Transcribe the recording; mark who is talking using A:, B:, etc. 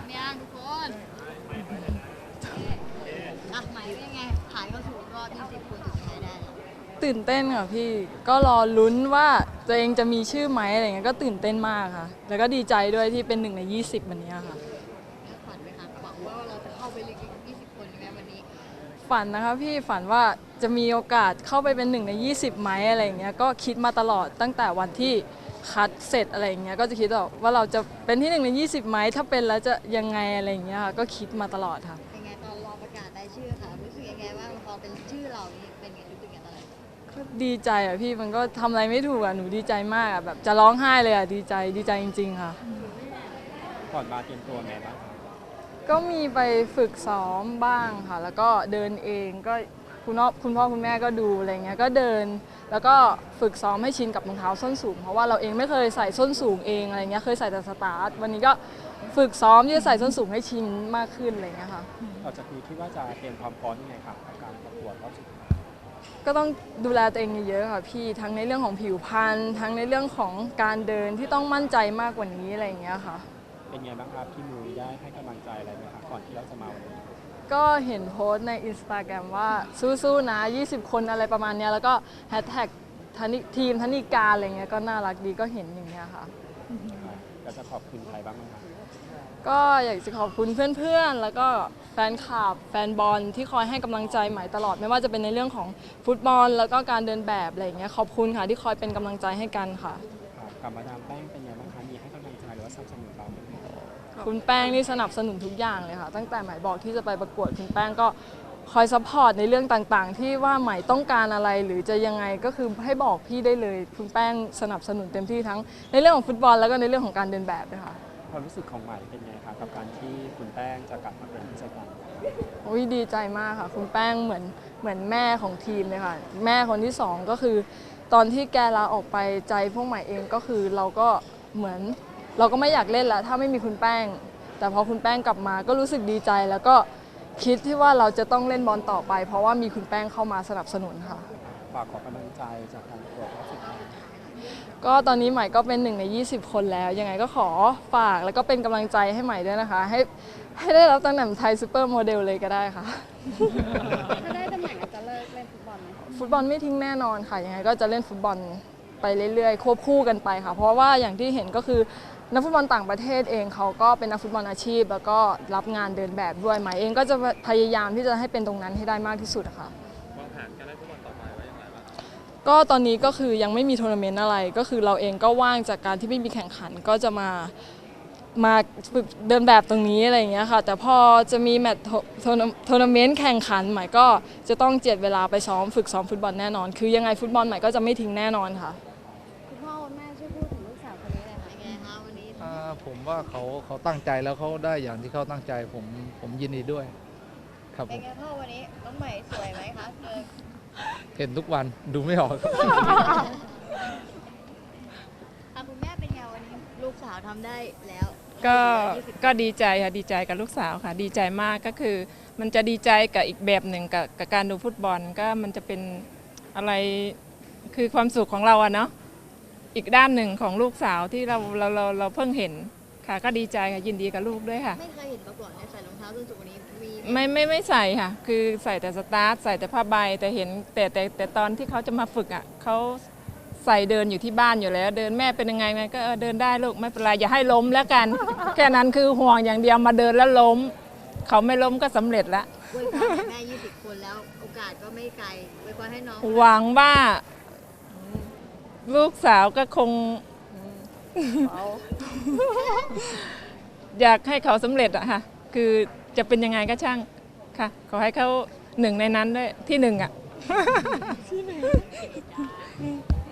A: ยังทุกคนอ่ะหมายเป็นยังไงผ่านเข้าสู่รอบ20 คนสุดท้ายได้แล้ว
B: ตื่นเต้นค่ะพี่ก็รอลุ้นว่าตัวเองจะมีชื่อไหมอะไรเงี้ยก็ตื่นเต้นมากค่ะแล้วก็ดีใจด้วยที่เป็น1 ใน 20วันนี้ค่ะ
A: ฝันไหมคะหวังว่าเราจะเข้าไปลึก20 คนไหมวันนี้
B: ฝันนะคะพี่ฝันว่าจะมีโอกาสเข้าไปเป็น1 ใน 20ไหมอะไรเงี้ยก็คิดมาตลอดตั้งแต่วันที่คัดเสร็จอะไรเงี้ยก็จะคิดว่าเราจะเป็นที่1 ใน 20ไหมถ้าเป็นแล้วจะยังไงอะไรเงี้ยค่ะก็คิดมาตลอดค่ะ
A: เป็นไงตอนรอประกาศได้ชื่อค่ะรู้สึกยังไงบ้างพอเป็นชื่อเรานี่เป็นไงรู้สึกยังไงตอนนั้น
B: ก็ดีใจอ่ะพี่มันก็ทำอะไรไม่ถูกอ่ะหนูดีใจมากอ่ะแบบจะร้องไห้เลยอ่ะดีใจจริงๆค่ะ
C: ก่อนมาเตรียมตัวไงบ้าง
B: ก็มีไปฝึกซ้อมบ้างค่ะแล้วก็เดินเองก็คุณพ่อคุณแม่ก็ดูอะไรเงี้ยก็เดินแล้วก็ฝึกซ้อมให้ชินกับรองเท้าส้นสูงเพราะว่าเราเองไม่เคยใส่ส้นสูงเองอะไรเงี้ยเคยใส่แต่สตาร์ทวันนี้ก็ฝึกซ้อมที่จะใส่ส้นสูงให้ชินมากขึ้นอะไรเงี้ยค่ะ
C: ต่อจากนี้คิดว่าจะเตรียมความพร้อมยังไงครับกับการประกวดรอบสุดท้าย
B: ก็ต้องดูแลตัวเองเยอะๆค่ะพี่ทั้งในเรื่องของผิวพรรณทั้งในเรื่องของการเดินที่ต้องมั่นใจมากกว่านี้อะไรเงี้ยค่ะ
C: เป็นไงบ้างครับพี่มุ้ยได้ให้กำลังใจอะไรไหมครับก่อนที่เราจะมาวันนี้
B: ก็เห็นโพสต์ใน Instagram ว่าสู้ๆนะ20 คนอะไรประมาณนี้แล้วก็แฮชแท็กทีมธนิการอะไรเงี้ยก็น่ารักดีก็เห็นอย่างเงี้ยค่ะ
C: ก็จะขอบคุณใครบ้างไหมครับ
B: ก็อยากจะขอบคุณเพื่อนๆแล้วก็แฟนคลับแฟนบอลที่คอยให้กำลังใจใหม่ตลอดไม่ว่าจะเป็นในเรื่องของฟุตบอลแล้วก็การเดินแบบอะไรเงี้ยขอบคุณค่ะที่คอยเป็นกำลังใจให้กันค่ะ
C: กับมาดามแป้งเป็นไงบ้างคะมีให้กำลังใจหรือว่าสนับสนุนเราไหม
B: คุณแป้งนี่สนับสนุนทุกอย่างเลยค่ะตั้งแต่หมายบอกที่จะไปประกวดคุณแป้งก็คอยซัพพอร์ตในเรื่องต่างๆที่ว่าหมายต้องการอะไรหรือจะยังไงก็คือให้บอกพี่ได้เลยคุณแป้งสนับสนุนเต็มที่ทั้งในเรื่องของฟุตบอลแล้วก็ในเรื่องของการเดินแบบด้วยค่ะ
C: ความรู้สึกของใหม่เป็นไงครับกับการที่คุณแป้งจะกลับมาเป็นผู้จัดการ
B: โอ้ยดีใจมากค่ะคุณแป้งเหมือนแม่ของทีมเลยค่ะแม่คนที่2ก็คือตอนที่แกลาออกไปใจพวกใหม่เองก็คือเราก็เหมือนเราก็ไม่อยากเล่นแล้วถ้าไม่มีคุณแป้งแต่พอคุณแป้งกลับมาก็รู้สึกดีใจแล้วก็คิดที่ว่าเราจะต้องเล่นบอลต่อไปเพราะว่ามีคุณแป้งเข้ามาสนับสนุนค่ะ
C: ฝากขอกำลังใจจากการประกวดรอบสุดท้าย
B: ก็ตอนนี้ใหม่ก็เป็น1 ใน 20 คนแล้วยังไงก็ขอฝากแล้วก็เป็นกำลังใจให้ใหม่ด้วยนะคะให้ได้รับตำแหน่งไทยซูเปอร์โมเดลเลยก็ได้ค่ะ
A: ถ้าได้ตำแหน่งจะเลิกเล่นฟุตบอลไหม
B: ฟุตบอลไม่ทิ้งแน่นอนค่ะยังไงก็จะเล่นฟุตบอลไปเรื่อยๆควบคู่กันไปค่ะเพราะว่าอย่างที่เห็นก็คือนักฟุตบอลต่างประเทศเองเขาก็เป็นนักฟุตบอลอาชีพแล้วก็รับงานเดินแบบด้วยใหม่เองก็จะพยายามที่จะให้เป็นตรงนั้นให้ได้มากที่สุดค่ะ
C: วางแผนการเล่นฟุตบอลต่อไปไว้อย่างไรบ้าง
B: ก็ตอนนี้ก็คือยังไม่มีทัวร์นาเมนต์อะไรก็คือเราเองก็ว่างจากการที่ไม่มีแข่งขันก็จะมาฝึกเดินแบบตรงนี้อะไรอย่างเงี้ยค่ะแต่พอจะมีแมตช์ทัวร์นาเมนต์แข่งขันใหม่ก็จะต้องเจียดเวลาไปฝึกซ้อมฟุตบอลแน่นอนคือยังไงฟุตบอลใหม่ก็จะไม่ทิ้งแน่นอนค่ะ
A: คุณพ่อคุณแม่ช่วยพูดถึงลูกสาวคนนี้หน่อยค่ะยังไงคะวันนี้
D: ผมว่าเขาตั้งใจแล้วเขาได้อย่างที่เขาตั้งใจผมยินดีด้วยครับ
A: เป็นไงพ่อวันนี้น้องใหม่สวยไหมคะ
D: เห็นทุกวันดูไม่ออก
A: คุณแม่เป็นไงวันนี้ลูกสาวทำได้แล้ว
E: ก็ดีใจค่ะดีใจกับลูกสาวค่ะดีใจมากก็คือมันจะดีใจกับอีกแบบหนึ่งกับการดูฟุตบอลก็มันจะเป็นอะไรคือความสุขของเราอะเนาะอีกด้านหนึ่งของลูกสาวที่เราเพิ่งเห็นค่ะก็ดีใจค่ะยินดีกับลูกด้วยค่ะ
A: ไม่เคยเห็นมาก่อนใส่รองเท้าส้นสูงนี้
E: ไม่ใส่ค่ะคือใส่แต่สตาร์ทใส่แต่ผ้าใบแต่เห็นแต่ตอนที่เขาจะมาฝึกอ่ะเขาใส่เดินอยู่ที่บ้านอยู่แล้วเดินแม่เป็นยังไงก็เดินได้ลูกไม่เป็นไรอย่าให้ล้มแล้วกัน แค่นั้นคือห่วงอย่างเดียวมาเดินแล้วล้มเขาไม่ล้มก็สำเร็จแล้ว
A: อวยพรแม่20 คนแล้วโอกาสก็ไม่ไกลอวยพรให้น้อง
E: หวังว่าลูกสาวก็คงอยากให้เขาสำเร็จอะค่ะคือจะเป็นยังไงก็ช่างค่ะขอให้เขา1 ในนั้นด้วยที่1อะ